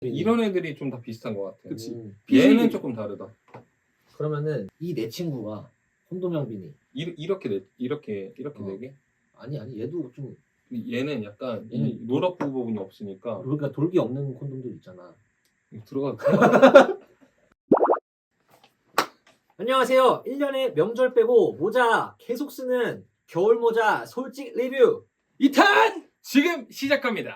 이런 애들이 좀 다 비슷한 것 같아. 그치. 얘는 조금 다르다. 그러면은 이 내 친구가 콘돔형 비니. 이렇게 어. 되게. 아니 얘도 좀 얘는 약간 이 노랗고 부분이 없으니까 그러니까 돌기 없는 콘돔들 있잖아. 들어가. 안녕하세요. 1년에 명절 빼고 모자 계속 쓰는 겨울 모자 솔직 리뷰. 2탄 지금 시작합니다.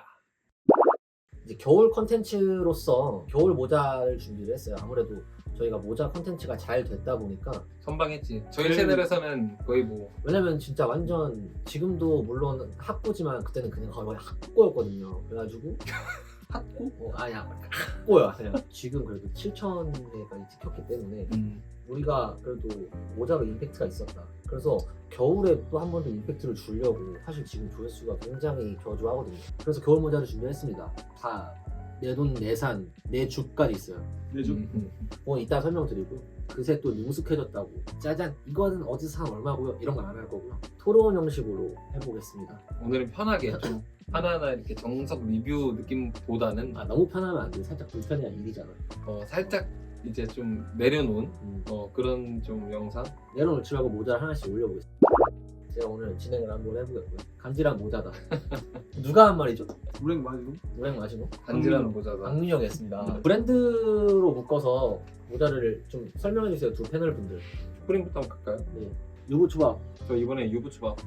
이제 겨울 컨텐츠로서 겨울 모자를 준비를 했어요. 아무래도 저희가 모자 컨텐츠가 잘 됐다 보니까 선방했지. 저희 채널에서는 거의 뭐 왜냐면 진짜 완전 지금도 물론 학고지만 그때는 그냥 거의 학고였거든요. 그래가지고 핫고? 아니야 학고야 그냥. 지금 그래도 7,000회까지 찍혔기 때문에 우리가 그래도 모자로 임팩트가 있었다. 그래서 겨울에 또 한 번 더 임팩트를 주려고 사실 지금 조회수가 굉장히 저조하거든요. 그래서 겨울 모자를 준비했습니다. 다 내 돈 내산 내 주까지 있어요. 내주? 그건 이따 설명드리고 그새 또 능숙해졌다고 짜잔 이거는 어디서 산 얼마고요? 이런 거 안 할 거고요. 토론 형식으로 해보겠습니다. 오늘은 편하게 좀 하나하나 이렇게 정석 리뷰 느낌보다는 너무 편하면 안 돼. 살짝 불편해야 일이잖아. 살짝 이제 좀 내려놓은 그런 좀 영상. 내려놓지 말고 모자를 하나씩 올려보겠습니다. 제가 오늘 진행을 한번 해보겠고요. 간지랑 모자다. 누가 한 말이죠? 우랭 마시고? 노랭 마시고 간지라는 모자다. 박민혁이 했습니다. 브랜드로 묶어서 모자를 좀 설명해주세요. 두 패널 분들. 슈프림부터 한번 갈까요? 네. 유부초밥. 저 이번에 유부초밥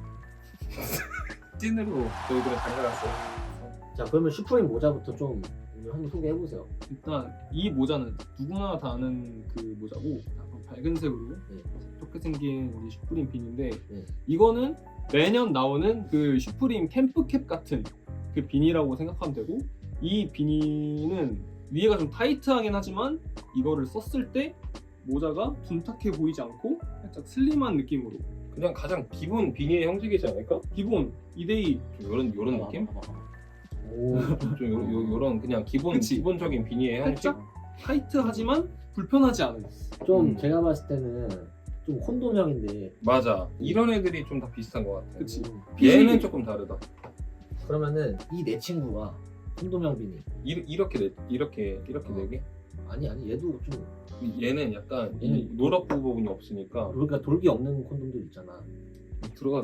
찐으로 저 이번에 장가갔어요. 자 그러면 슈프림 모자부터 좀 오늘 한번 소개해보세요. 일단 이 모자는 누구나 다 아는 그 모자고 약간 밝은색으로 좋게 생긴 이 슈프림 비니인데 네. 이거는 매년 나오는 그 슈프림 캠프캡 같은 그 비니라고 생각하면 되고 이 비니는 위에가 좀 타이트하긴 하지만 이거를 썼을 때 모자가 둔탁해 보이지 않고 살짝 슬림한 느낌으로 그냥 가장 기본 비니의 형식이지 않을까? 기본 2대2 좀 요런 느낌? 오. 좀 요런 그냥 그치. 기본적인 비니의 형식? 살짝 타이트하지만 불편하지 않은 좀 제가 봤을 때는 좀 콘돔형인데 맞아. 이런 애들이 좀 다 비슷한 것 같아. 그치. 얘는 조금 다르다. 그러면은 이 내 친구가 콘돔형 비니. 이렇게 되게? 아니 얘도 좀 얘는 약간 이 얘는 노랗고 부분이 없으니까 그러니까 돌기 없는 콘돔들 있잖아. 들어가.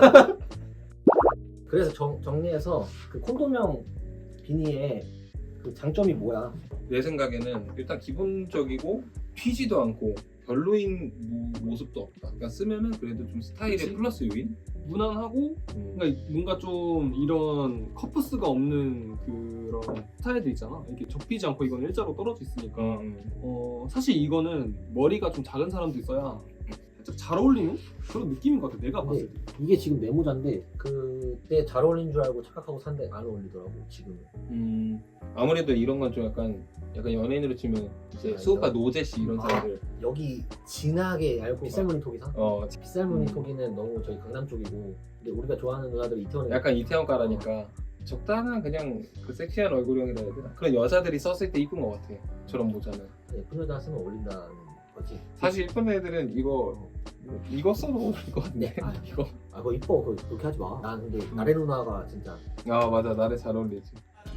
그래서 정리해서 그 콘돔형 비니의 그 장점이 뭐야? 내 생각에는 일단 기본적이고 튀지도 않고 별로인 모습도 없다. 그러니까 쓰면은 그래도 좀 스타일의 그치? 플러스 요인? 무난하고 그러니까 뭔가 좀 이런 커프스가 없는 그런 스타일들 있잖아. 이렇게 접히지 않고 이건 일자로 떨어져 있으니까 사실 이거는 머리가 좀 작은 사람도 있어야 살짝 잘 어울리는 그런 느낌인 것 같아. 내가 근데 봤을 때. 이게 지금 내 모자인데 그때 잘 어울리는 줄 알고 착각하고 샀는데 안 어울리더라고 지금은. 아무래도 이런 건 좀 약간 연예인으로 치면 이제 아니요. 수우파 노제씨 이런 사람들. 여기 진하게 얇고 빗살무늬 톡이 사? 빗살무늬 톡이는 너무 저희 강남 쪽이고 근데 우리가 좋아하는 누나들이 이태원에 약간 이태원가라니까 적당한 그냥 그 섹시한 얼굴형이라 해야 되나? 그런 여자들이 썼을 때 이쁜 것 같아. 저런 모자는. 예쁜 여자 쓰면 어울린다는 거지. 사실 이쁜 애들은 이거 써도 어울릴 것 같은데. 네. 이거. 그거 이뻐. 그렇게 하지 마. 난 근데 나래 누나가 진짜 맞아. 나를 잘 어울리지.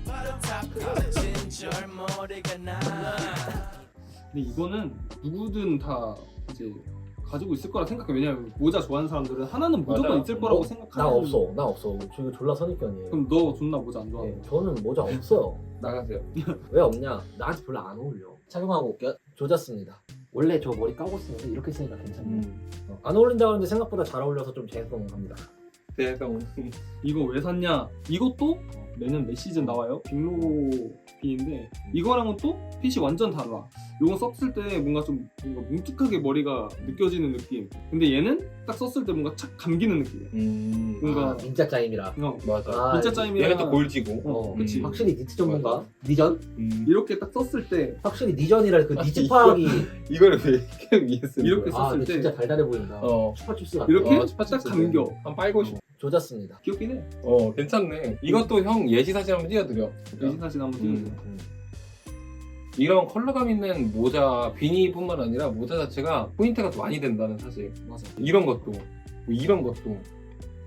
근데 이거는 누구든 다 이제 가지고 있을 거라 생각해. 왜냐면 모자 좋아하는 사람들은 하나는 무조건 맞아. 있을 거라고 나 생각하는. 없어. 저 이거 졸라 선입견이에요. 그럼 너 존나 모자 안 좋아해? 네, 저는 모자 없어요. 나가세요. 왜 없냐? 나한테 별로 안 어울려. 착용하고 올게요. 조졌습니다. 원래 저 머리 까고 쓰는데 이렇게 쓰니까 괜찮네. 안 어울린다고 하는데 생각보다 잘 어울려서 좀 죄송합니다. 대성. 이거 왜 샀냐? 이것도 매년 매 시즌 나와요. 빅로 빈인데 이거랑은 또 핏이 완전 달라. 이거 썼을 때 뭔가 좀 뭉툭하게 머리가 느껴지는 느낌. 근데 얘는 딱 썼을 때 뭔가 착 감기는 느낌이야. 뭔가 민자 짜임이라. 맞아. 진짜 짜임이랑 얘는 또 골지고. 그치. 확실히 니트 전문가. 니전? 이렇게 딱 썼을 때 확실히 니전이라 그 니즈 파악이. 이거를 왜 이렇게 위에 쓰는 이렇게 거야? 썼을 근데 때 진짜 달달해 보인다. 이렇게? 슈퍼칩스 같아. 이렇게 스파칩스 딱 감겨. 한 빨고 싶어. 조졌습니다. 귀엽긴 해. 괜찮네. 이것도 형 예시 사진 한번 띄워드려. 예시 사진 한번 찍어줘. 이런 컬러감 있는 모자, 비니뿐만 아니라 모자 자체가 포인트가 더 많이 된다는 사실. 맞아. 이런 것도, 이런 것도.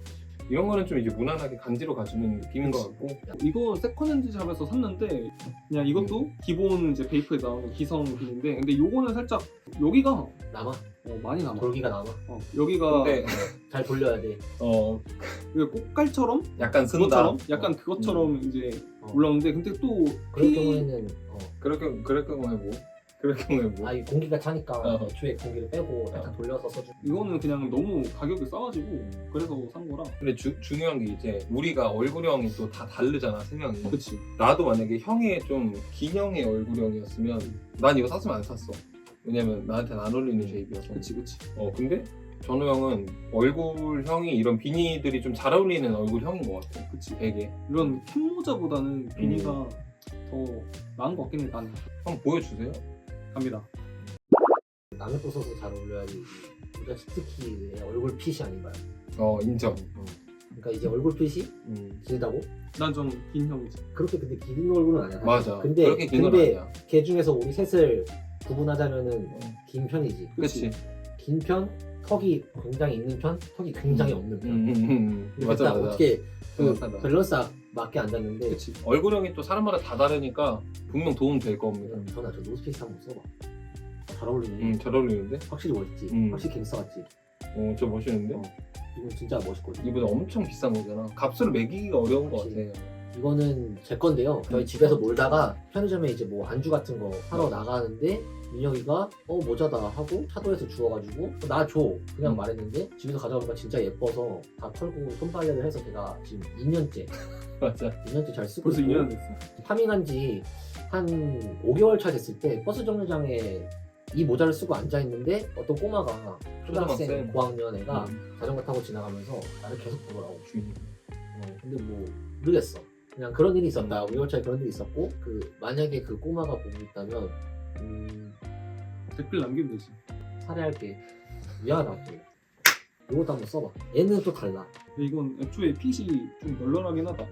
이런 거는 좀 이제 무난하게 간지로 가주는 느낌인 것 같고. 이거 세컨핸드 샵에서 샀는데 그냥 이것도 기본 이제 베이프에 나오는 기성 빈인데 근데 요거는 살짝 여기가 남아? 많이 남아. 돌기가 남아? 여기가 근데 잘 돌려야 돼. 이게 꽃갈처럼 약간 쓴다. 그것처럼 약간 그것처럼 이제 올라오는데 근데 또 그럴 경우에는 그럴 경우에 뭐? 그럴 경우에 뭐? 이 공기가 차니까 어. 애초에 공기를 빼고 살짝 돌려서 써주. 이거는 그냥 너무 가격이 싸가지고 그래서 산 거라. 근데 중요한 게 이제 우리가 얼굴형이 또 다 다르잖아, 세 명이. 그치. 나도 만약에 형의 좀 긴 형의 얼굴형이었으면 난 이거 샀으면 안 샀어. 왜냐면 나한테는 안 어울리는 쉐입이어서. 그치. 근데 전우 형은 얼굴형이 이런 비니들이 좀 잘 어울리는 얼굴형인 것 같아. 그치. 되게. 이런 캡모자보다는 비니가 더 나은 것 같긴 해. 나는. 한번 보여주세요. 갑니다. 남의 거 써서 잘 어울려야지. 우리가 특히 내 얼굴 핏이 아닌가요? 인정. 그러니까 이제 얼굴 핏이 길다고? 난 좀 긴 형이지. 그렇게 근데 긴 얼굴은 아니야. 사실. 맞아. 근데 그렇게 긴 건 아니야. 걔 중에서 우리 셋을 구분하자면은 긴 편이지. 그치. 긴 편, 턱이 굉장히 있는 편, 턱이 굉장히 없는 편. 근데 맞아, 딱 맞아. 어떻게 그 정확하다. 밸런스 맞게 앉았는데. 그치. 얼굴형이 또 사람마다 다 다르니까 분명 도움 될 겁니다. 전화 저 노스페이스 한번 써봐. 잘 어울리네. 잘 어울리는데? 확실히 멋있지. 음. 확실히 갱스터 같지. 저 멋있는데? 이건 진짜 멋있거든. 이보다 엄청 비싼 거잖아. 값을 매기기가 어려운 것 그치. 같아. 이거는 제 건데요. 저희 집에서 놀다가 편의점에 이제 뭐 안주 같은 거 사러 나가는데 민혁이가 모자다 하고 차도에서 주워가지고 나 줘 그냥 말했는데 집에서 가져오니까 진짜 예뻐서 다 털고 손빨래를 해서 제가 지금 2년째 맞아. 2년째 잘 쓰고 벌써 있고 2년 됐어. 파밍한 지 한 5개월 차 됐을 때 버스 정류장에 이 모자를 쓰고 앉아있는데 어떤 꼬마가 초등학생 초등학생. 고학년 애가 자전거 타고 지나가면서 나를 계속 보더라고. 주인. 근데 뭐 모르겠어. 그냥 그런 일이 있었다. 5개월 차에 그런 일이 있었고 만약에 그 꼬마가 보고 있다면 댓글 남기면 되지. 살해할게. 미안하다. 이것도 한번 써봐. 얘는 또 달라. 근데 이건 애초에 핏이 좀 널널하긴 하다.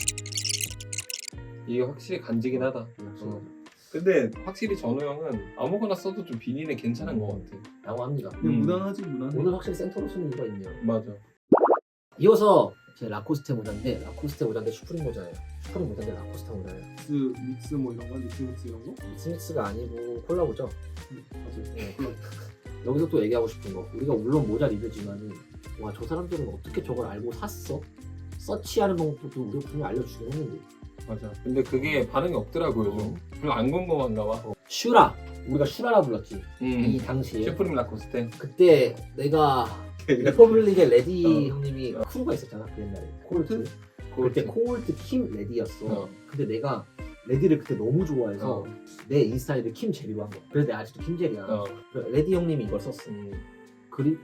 이게 확실히 간지긴 하다. 근데 확실히 전우 형은 아무거나 써도 좀 비니는 괜찮은 것 같아. 라고 합니다. 근데 무난하지 무난해. 오늘 확실히 센터로 쓰는 이유가 있네요. 맞아. 이어서 제 라코스테 모자인데 라코스테 모자인데 슈프림 모자예요. 슈프림 모자인데 라코스테 모자예요. 믹스 뭐 이런 거, 믹스 이런 거? 스믹스가 아니고 콜라보죠. 맞아. 네, 콜라보. 여기서 또 얘기하고 싶은 거 우리가 물론 모자 리뷰지만은 와 저 사람들은 어떻게 저걸 알고 샀어? 서치하는 방법도 우리가 분명히 알려주긴 했는데 맞아. 근데 그게 반응이 없더라고요, 좀. 별로 안 궁금한가 봐. 슈라 우리가 슈라라 불렀지 이 음. 당시에 슈프림 라코스테. 그때 내가 리퍼블릭의 레디 형님이 크루가 있었잖아 그 옛날에 콜트 그때 콜트 킴 레디였어 근데 내가 레디를 그때 너무 좋아해서 내 인스타에도 킴 제리로 한 거야 그래서 내가 아직도 킴 제리야 레디 형님이 이걸 썼어 그리고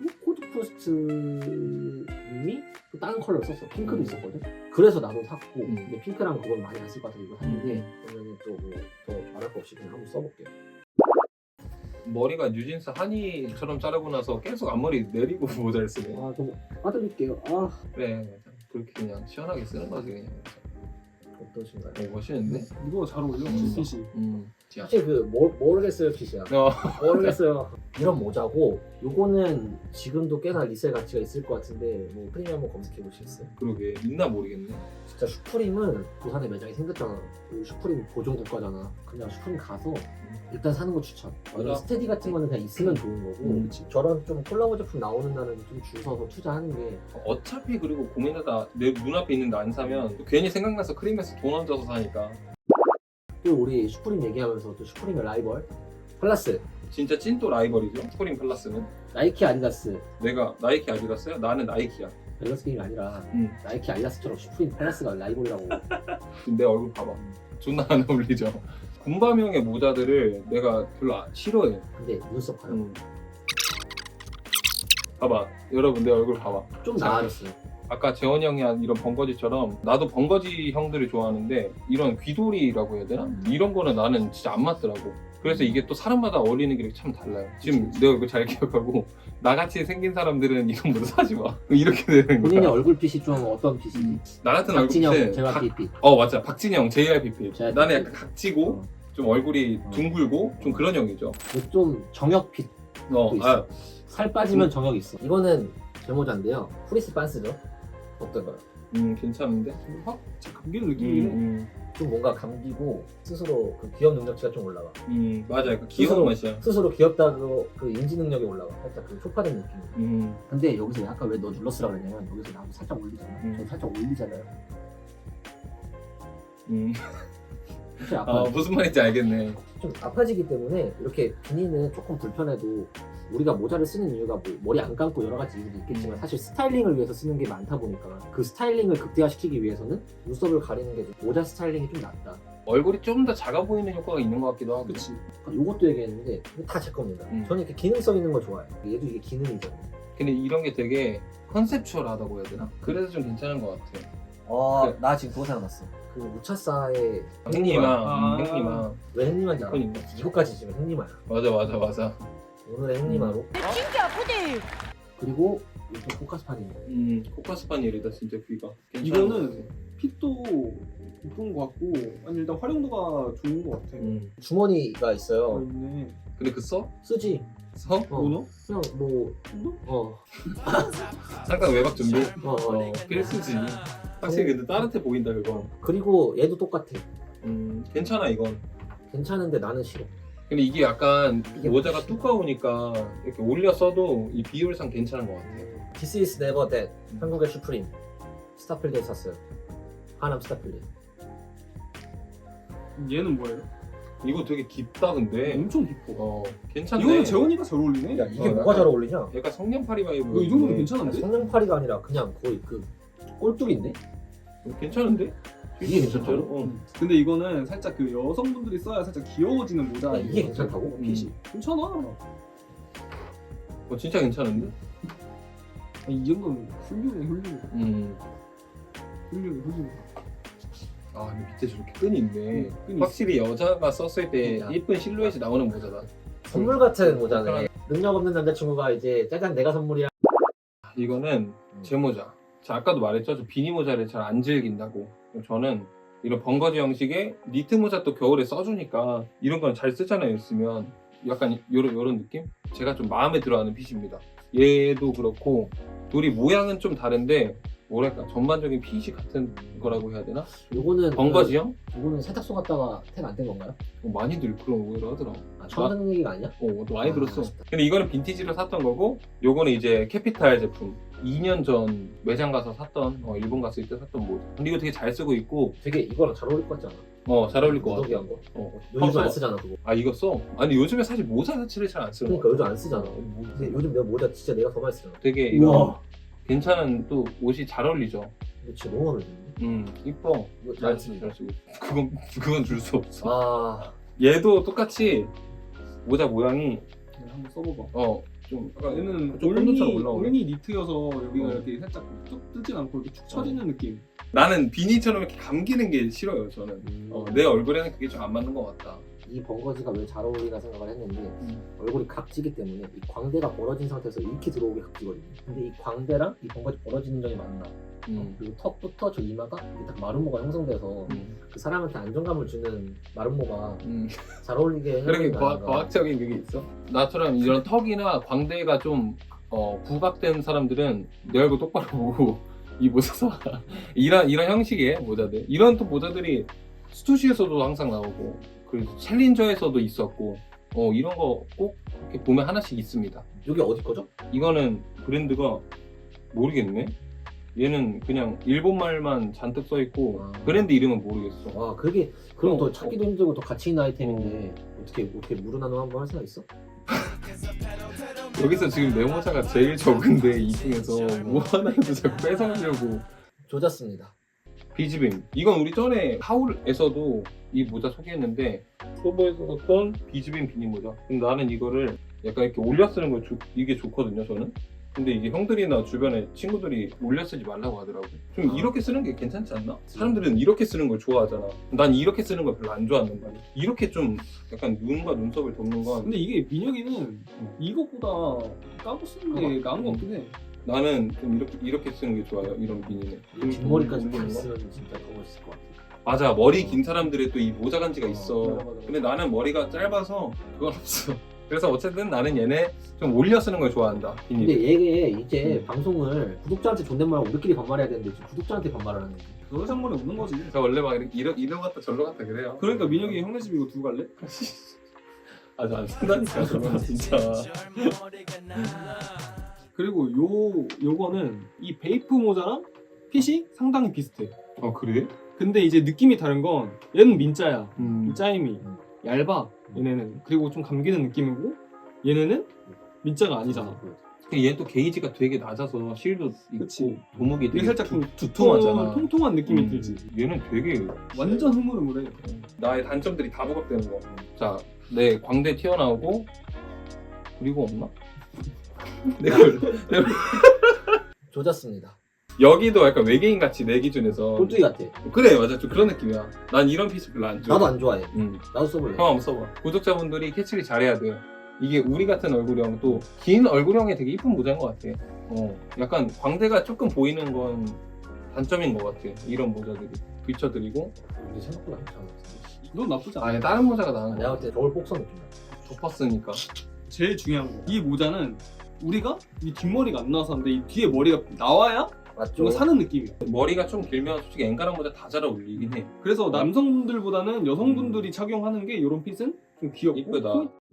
코드프로스트님이 또 다른 컬러를 썼어 핑크도 있었거든 그래서 나도 샀고 근데 핑크랑 그걸 많이 안 쓸 것 같아서 이거 샀는데 그러면 또 뭐 더 말할 거 없이 그냥 한번 써볼게요 머리가 뉴진스 한이처럼 자르고 나서 계속 앞머리 내리고 모자를 쓰네. 아 좀 빠드릴게요 아 그래, 맞아. 그렇게 그냥 시원하게 쓰는 거지, 그냥. 어떠신가요? 멋있는데? 이거 잘 어울려. 핏이. 사실 그 모르겠어요 핏이야 모르겠어요 이런 모자고 요거는 지금도 꽤나 리셀 가치가 있을 것 같은데 뭐 프리미엄 한번 검색해 보시겠어요? 그러게, 있나 모르겠네. 진짜 슈프림은 부산에 매장이 생겼잖아 그 슈프림 보존 국가잖아 그냥 슈프림 가서 일단 사는 거 추천 이런 맞아. 스테디 같은 거는 그냥 있으면 좋은 거고 저런 좀 콜라보 제품 나오는 날은 좀 줄 서서 투자하는 게 어차피 그리고 고민하다 내 눈앞에 있는데 안 사면 괜히 생각나서 크림에서 돈 얹어서 사니까. 또 우리 슈프림 얘기하면서 또 슈프림의 라이벌 플러스 진짜 찐또 라이벌이죠, 슈프림 플러스는. 나이키 아디다스 내가 나이키 아디다스야? 나는 나이키야. 밸런스 게임이 아니라 응. 나이키 아디다스처럼 슈프림 플러스가 라이벌이라고 지금 내 얼굴 봐봐. 존나 안 어울리죠. 군밤형의 모자들을 내가 별로 싫어해. 근데 눈썹 봐요 봐봐, 여러분 내 얼굴 봐봐. 좀 나아졌어요 아까 재원이 형이 한 이런 번거지처럼 나도 번거지 형들을 좋아하는데 이런 귀돌이라고 해야 되나? 이런 거는 나는 진짜 안 맞더라고. 그래서 이게 또 사람마다 어울리는 게 참 달라요. 지금 내가 이거 잘 기억하고 나같이 생긴 사람들은 이런 모자 사지 마. 이렇게 되는 본인의 거야. 얼굴 핏이 좀 어떤 핏이지? 나 같은 박진영, 얼굴은 JYP 맞아, 박진영, JYP. JYP. 나는 약간 각지고 좀 얼굴이 둥글고 좀 그런 형이죠. 좀 정역 핏 또 있어. 살 빠지면 정역이 있어. 이거는 제 모자인데요. 프리스 반스죠. 어떤가요? 괜찮은데? 확 감기는 느낌이긴 해. 좀 뭔가 감기고 스스로 그 기업 능력치가 좀 올라가. 맞아. 약간 귀여운 스스로- 맛이야. 스스로 귀엽다고 그 인지 능력이 올라가. 살짝 그 쇼파된 느낌. 근데 여기서 아까 왜 너 눌렀으라 그랬냐면 여기서 나도 살짝 올리잖아. 저 살짝 올리잖아요. 사실 아파. 무슨 말인지 알겠네. 좀 아파지기 때문에 이렇게 비니는 조금 불편해도 우리가 모자를 쓰는 이유가 뭐 머리 안 감고 여러 가지 이유도 있겠지만 사실 스타일링을 위해서 쓰는 게 많다 보니까 그 스타일링을 극대화시키기 위해서는 눈썹을 가리는 게 모자 스타일링이 좀 낫다. 얼굴이 좀 더 작아 보이는 효과가 있는 것 같기도 하고. 그치. 이것도 얘기했는데 이거 다 제 겁니다. 저는 이렇게 기능성 있는 걸 좋아해요. 얘도 이게 기능이잖아요. 근데 이런 게 되게 컨셉추얼하다고 해야 되나? 그래서 좀 괜찮은 것 같아. 그래. 나 지금 그거 생각났어. 그 무차사의 행님아, 아. 행님아. 왜 행님한지 알아? 그러니까. 이거까지 지금 행님아야. 맞아. 오늘의 행님아로. 그리고 이거 포카스판이. 코카스파니엘이다 진짜 귀가. 이거는 핏도 이쁜 것 같고 아니 일단 활용도가 좋은 것 같아. 주머니가 있어요. 있네. 근데 그 써? 쓰지. 써? 오너? 그냥 뭐 잠깐 외박 준비? 어. 필수지. 확실히 근데 따뜻해 보인다 그거. 그리고 얘도 똑같아. 괜찮아 이건. 괜찮은데 나는 싫어. 근데 이게 약간 이게 모자가 훨씬- 두꺼우니까 이렇게 올려 써도 이 비율상 괜찮은 것 같아. This is never that. 한국의 슈프림. 스타필드에 샀어요. 하남 스타필드. 얘는 뭐예요? 이거 되게 깊다 근데. 엄청 깊어. 괜찮네. 이거는 재원이가 잘 어울리네. 야 이게 어, 뭐가 약간- 잘 어울리냐? 약간 성냥팔이 바이브. 이거 이 정도면 괜찮은데? 성냥팔이가 아니라 그냥 거의 그 꼴뚜기인데? 괜찮은데? 이게 괜찮다고? 진짜로? 근데 이거는 살짝 그 여성분들이 써야 살짝 귀여워지는 모자. 야, 이게 괜찮다고? 핏이 괜찮아. 진짜 괜찮은데? 이 정도면 훌륭해. 훌륭해. 근데 밑에 저렇게 끈이 있네. 끈이 확실히 여자가 썼을 때 야. 예쁜 실루엣이 나오는 모자다. 선물 같은 모자네. 능력 없는 남자친구가 이제 짜잔 내가 선물이야. 이거는 제 모자. 자, 아까도 말했죠. 저 비니 모자를 잘 안 즐긴다고. 저는 이런 번거지 형식의 니트 모자 또 겨울에 써주니까 이런 건 잘 쓰잖아요. 쓰면 약간 요런 느낌? 제가 좀 마음에 들어하는 핏입니다. 얘도 그렇고 둘이 모양은 좀 다른데 뭐랄까 전반적인 핏이 같은 거라고 해야 되나? 요거는 번거지형? 요거는 세탁소 갔다가 택 안 된 건가요? 많이들 그런 오해를 하더라. 처음 듣는 얘기가 아니야? 많이 아, 들었어. 아쉽다. 근데 이거는 빈티지로 샀던 거고, 요거는 이제 캐피탈 제품. 2년 전 매장 가서 샀던, 일본 갔을 때 샀던 모자. 근데 이거 되게 잘 쓰고 있고, 되게 이거랑 잘 어울릴 것 같지 않아? 잘 어울릴 것 같아. 무더기한 거. 어. 요즘 안 쓰잖아 그거. 이거 써? 아니 요즘에 사실 모자 자체를 잘 안 쓰는 그러니까 거 요즘 안 쓰잖아. 근데 요즘 내가 모자 진짜 내가 더 많이 쓰잖아. 되게 이거 괜찮은 또 옷이 잘 어울리죠. 근데 진짜 너무 마음에 드는데? 이뻐. 이거 잘 잘 쓰고 쓰니까. 잘 쓰고. 그건 줄 수 없어. 아 얘도 똑같이 모자 모양이 한번 써봐봐. 좀 약간 얘는 좀 콘도처럼 올라오네. 올니 니트여서 여기가 어. 이렇게 살짝 쭉 뜨진 않고 이렇게 축 처지는 느낌. 나는 비니처럼 이렇게 감기는 게 싫어요. 저는 내 얼굴에는 그게 좀 안 맞는 것 같다. 이 번거지가 왜 잘 어울리나 생각을 했는데 얼굴이 각지기 때문에 이 광대가 벌어진 상태에서 이렇게 들어오게 각지거든요. 근데 이 광대랑 이 번거지 벌어지는 점이 맞나? 그리고 턱부터 저 이마가 이게 딱 마름모가 형성돼서 그 사람한테 안정감을 주는 마름모가 잘 어울리게 그렇게 해놓은 거 아닌가. 과학적인 그게 있어? 나처럼 이런 턱이나 광대가 좀 부각된 사람들은 내 얼굴 똑바로 보고 이 모자 사. 이런 형식의 모자들. 이런 또 모자들이 스투시에서도 항상 나오고 그리고 챌린저에서도 있었고 이런 거 꼭 이렇게 보면 하나씩 있습니다. 이게 어디 거죠? 이거는 브랜드가 모르겠네. 얘는 그냥 일본 말만 잔뜩 써 있고 브랜드 이름은 모르겠어. 와 그게 그럼 더 어, 찾기도 힘들고 더 가치 있는 아이템인데 어떻게 무르나노 한번 할 생각 있어? 여기서 지금 내 모자가 제일 적은데 이 중에서 뭐 하나라도 자꾸 뺏어가려고. 조졌습니다. 비즈빔. 이건 우리 전에 하울에서도 이 모자 소개했는데 소보에서 썼던 비즈빔 비니 모자. 근데 나는 이거를 약간 이렇게 올려 쓰는 거 이게 좋거든요 저는. 근데 이게 형들이나 주변에 친구들이 올려 쓰지 말라고 하더라고. 좀 이렇게 쓰는 게 괜찮지 않나? 사람들은 이렇게 쓰는 걸 좋아하잖아. 난 이렇게 쓰는 걸 별로 안 좋아한단 말이야. 이렇게 좀 약간 눈과 눈썹을 덮는 건 근데 이게 민혁이는 이것보다 까고 쓰는 게 나은 것 같긴 해. 나는 좀 이렇게 쓰는 게 좋아요. 이런 비니는. 좀 뒷머리까지 올리는 다 거? 쓰면 진짜 더 멋있을 것 같아. 맞아. 머리 긴 사람들의 또 이 모자 간지가 있어. 맞아. 근데 나는 머리가 짧아서 그건 없어. 그래서 어쨌든 나는 얘네 좀 올려 쓰는 걸 좋아한다. 근데 비닐. 얘게 이제 방송을 구독자한테 존댓말하고 우리끼리 반말해야 되는데 지금 구독자한테 반말하는 거지. 너의 상관이 없는 거지. 저 원래 막 이러 갔다 저러 갔다 그래요. 그러니까 민혁이 형네 집 이거 두고 갈래? 아주 안 쓴다니까 그건 진짜. 그리고 요거는 이 베이프 모자랑 핏이 상당히 비슷해. 그래? 근데 이제 느낌이 다른 건 얘는 민자야. 이 짜임이 음. 얇아. 얘네는. 그리고 좀 감기는 느낌이고 얘네는 민자가 아니잖아. 얘는 또 게이지가 되게 낮아서 실도 있고 그치. 도목이 이게 되게 살짝 좀 두툼하잖아. 통통한 느낌이 들지. 얘는 되게 완전 흐물흐물해. 나의 단점들이 다 부각되는 거. 자, 내 광대 튀어나오고 그리고 없나? 내가 조졌습니다. 여기도 약간 외계인 같이 내 기준에서 꼴뚜기 같아. 그래 맞아 좀 그런 느낌이야. 난 이런 피스 별로 안 좋아. 나도 안 좋아해. 응. 나도 써볼래. 형 한번 써봐. 구독자분들이 캐치를 잘해야 돼. 이게 우리 같은 얼굴형 또 긴 얼굴형에 되게 이쁜 모자인 것 같아. 약간 광대가 조금 보이는 건 단점인 것 같아. 이런 모자들이 비춰드리고. 근데 생각보다 괜찮아. 넌 나쁘지 않아. 아니 다른 모자가 나은 거. 내가 볼 때 겨울 복선 느낌이야. 덮었으니까. 제일 중요한 거. 이 모자는 우리가 이 뒷머리가 안 나와서 하는데 이 뒤에 머리가 나와야 맞죠? 이거 사는 느낌이야. 머리가 좀 길면 솔직히 앵간한 모자 다 잘 어울리긴 해. 그래서 남성분들보다는 여성분들이 착용하는 게 이런 핏은 좀 귀엽고 이쁘다.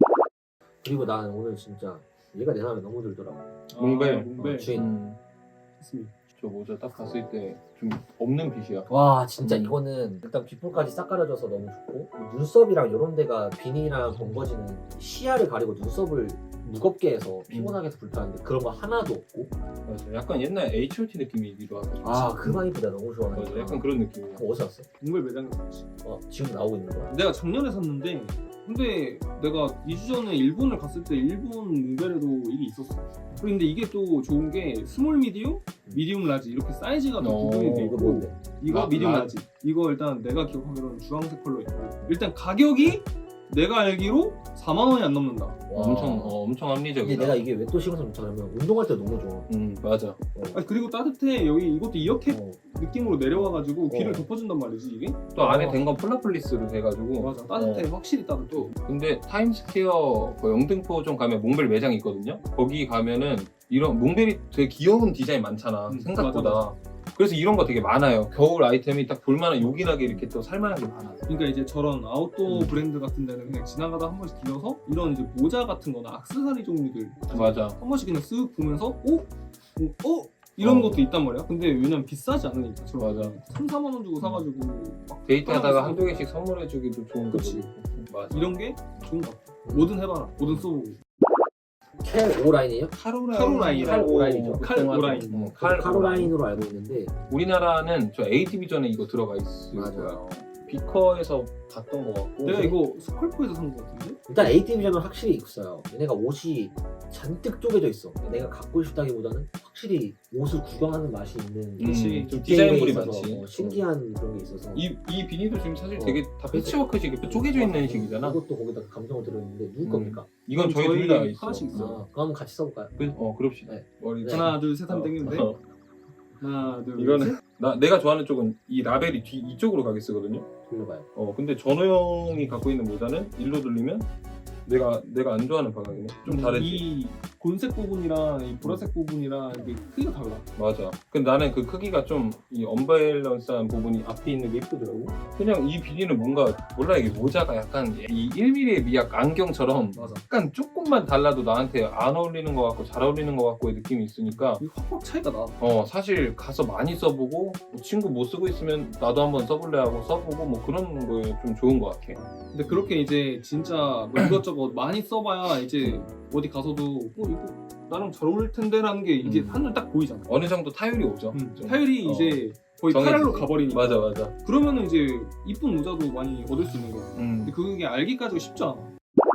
그리고 난 오늘 진짜 얘가 내 마음에 너무 들더라고. 몽벨. 몽벨. 주인. 있습니다. 저 모자 딱 봤을 때 좀 없는 빛이야. 와 진짜 이거는 일단 귓볼까지 싹 가려져서 너무 좋고 눈썹이랑 이런 데가 비니랑 번거지는 시야를 가리고 눈썹을 무겁게 해서 피곤하게 해서 불편한데 그런 거 하나도 없고 맞아. 약간 옛날 H.O.T 느낌이기도 하고. 아 그만 이쁘다 너무 좋아하는 맞아. 약간 그런 느낌이야. 그거 어디서 샀어? 몽벨 매장에 갔지. 지금 나오고 있는 거야? 내가 작년에 샀는데 근데 내가 2주 전에 일본을 갔을 때 일본 몽벨에도 이게 있었어. 근데 이게 또 좋은 게 스몰 미디움, 미디움 라지 이렇게 사이즈가 또 구분이 돼 이거 있고 뭔데? 이거 미디움 라지 이거 일단 내가 기억하기로는 주황색 컬러 있고 일단 가격이 내가 알기로 4만 원이 안 넘는다. 와. 엄청 근데 합리적이다. 내가 이게 왜 또 신경 쓰냐면 운동할 때 너무 좋아. 맞아. 아니, 그리고 따뜻해. 여기 이것도 이렇게 어. 느낌으로 내려와가지고 귀를 어. 덮어준단 말이지 이게. 또 안에 된 건 폴라플리스로 돼가지고. 맞아 따뜻해. 확실히 따뜻해. 근데 타임스퀘어 그 영등포점 가면 몽벨 매장 있거든요. 거기 가면은 이런 몽벨이 되게 귀여운 디자인 많잖아. 생각보다. 맞아. 그래서 이런 거 되게 많아요. 겨울 아이템이 딱 볼만한 요긴하게 이렇게 또 살만한 게 많아. 그러니까 이제 저런 아웃도어 브랜드 같은 데는 그냥 지나가다 한 번씩 들려서 이런 이제 모자 같은 거나 액세서리 종류들 맞아. 한 번씩 그냥 쓱 보면서 이런 어. 것도 있단 말이야. 근데 왜냐면 비싸지 않으니까. 저런 맞아. 거 3, 4만 원 주고 사가지고 막 데이트하다가 한두 개씩 선물해주기도 좋은 그치. 거지. 맞아. 이런 게 좋은 것 같아. 뭐든 해봐라. 뭐든 써보고. 캘 오라인이에요? 칼오라인이죠. 칼오라인. 카로라인으로 알고 있는데 우리나라는 저 A 디비전에 이거 들어가 있을 맞아. 거야. 비커에서 봤던 것 같고. 내가 이거 스컬프에서 산 것 같은데? 일단 ATV점은 확실히 있어요. 얘네가 옷이 잔뜩 쪼개져 있어. 내가 갖고 싶다기보다는 확실히 옷을 구경하는 맛이 있는 그치. 좀 디테일에 디자인물이 있어서 많지. 신기한 그런 게 있어서 이 비니도 지금 사실 어. 되게 다 패치워크식 이렇게 쪼개져 있는 식이잖아. 이것도 거기다 감성을 들어있는데 누구 겁니까? 이건 저희 저희 둘 다 있어. 하나씩 있어요. 그럼 한번 같이 써볼까요? 그럽시다. 네. 머리 네. 하나 둘 셋 하면 어, 땡기는데 어. 하나 둘 이거는 셋. 내가 좋아하는 쪽은 이 라벨이 이쪽으로 가게 쓰거든요. 돌려봐요. 근데 전호 형이 갖고 있는 모자는 일로 돌리면 내가 안 좋아하는 방향이네. 좀 다르지. 이 곤색 부분이랑 이 보라색 부분이랑 이게 크기가 달라. 맞아. 근데 나는 그 크기가 좀 이 언밸런스한 부분이 앞에 있는 게 예쁘더라고. 그냥 이 비니는 뭔가 몰라 이게 모자가 약간 이 1mm의 미약 안경처럼 맞아. 약간 조금만 달라도 나한테 안 어울리는 것 같고 잘 어울리는 것 같고의 느낌이 있으니까 이 확확 차이가 나. 사실 가서 많이 써보고 뭐 친구 못 쓰고 있으면 나도 한번 써볼래 하고 써보고 뭐 그런 거에 좀 좋은 것 같아. 근데 그렇게 이제 진짜 뭐 이것저것 많이 써봐야 이제 어디 가서도 이거 나랑 잘 어울릴 텐데라는 게 이제 한눈 딱 보이잖아. 어느 정도 타율이 오죠. 좀. 타율이 이제 거의 정해지지. 파랄로 가버리니까. 맞아. 그러면은 이제 이쁜 모자도 많이 얻을 수 있는 거야. 근데 그게 알기까지가 쉽지 않아.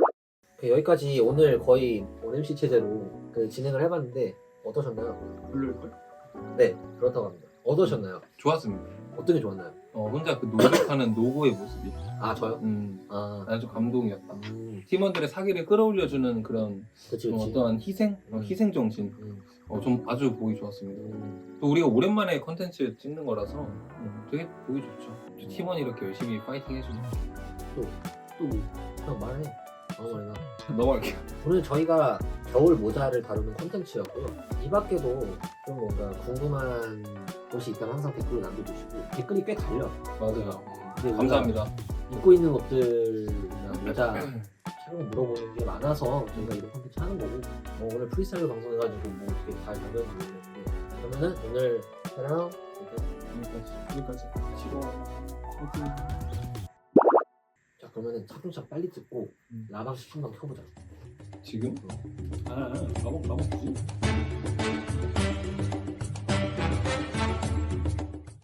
여기까지 오늘 거의 MC 체제로 진행을 해봤는데 어떠셨나요? 별로일걸? 네 그렇다고 합니다. 어떠셨나요? 좋았습니다. 어떤 게 좋았나요? 혼자 그 노력하는 노고의 모습이 아 저요? 아 나는 좀 감동이었다. 팀원들의 사기를 끌어올려주는 그런 그치 좀 그치. 어떠한 희생 정신 좀 아주 보기 좋았습니다. 또 우리가 오랜만에 컨텐츠 찍는 거라서 되게 보기 좋죠. 팀원이 이렇게 열심히 파이팅 해주니까. 또 뭐. 그냥 말해. 방어머리나 넘어갈게요. 오늘 저희가 겨울 모자를 다루는 콘텐츠였고요. 이 밖에도 좀 뭔가 궁금한 것이 있다면 항상 댓글로 남겨주시고 댓글이 꽤 달려. 맞아요. 근데 우리가 감사합니다. 입고 있는 옷들이나 모자 촬영 물어보는 게 많아서 저희가 이런 콘텐츠 하는 거고 오늘 프리스타일 방송해가지고 뭐 어떻게 잘 답변을 모르겠는데 그러면은 오늘 촬영 여기까지. 지금 화이팅. 자 그러면은 차근차근 빨리 찍고 라방 시청방 켜보자. 지금? 나먹 굳이?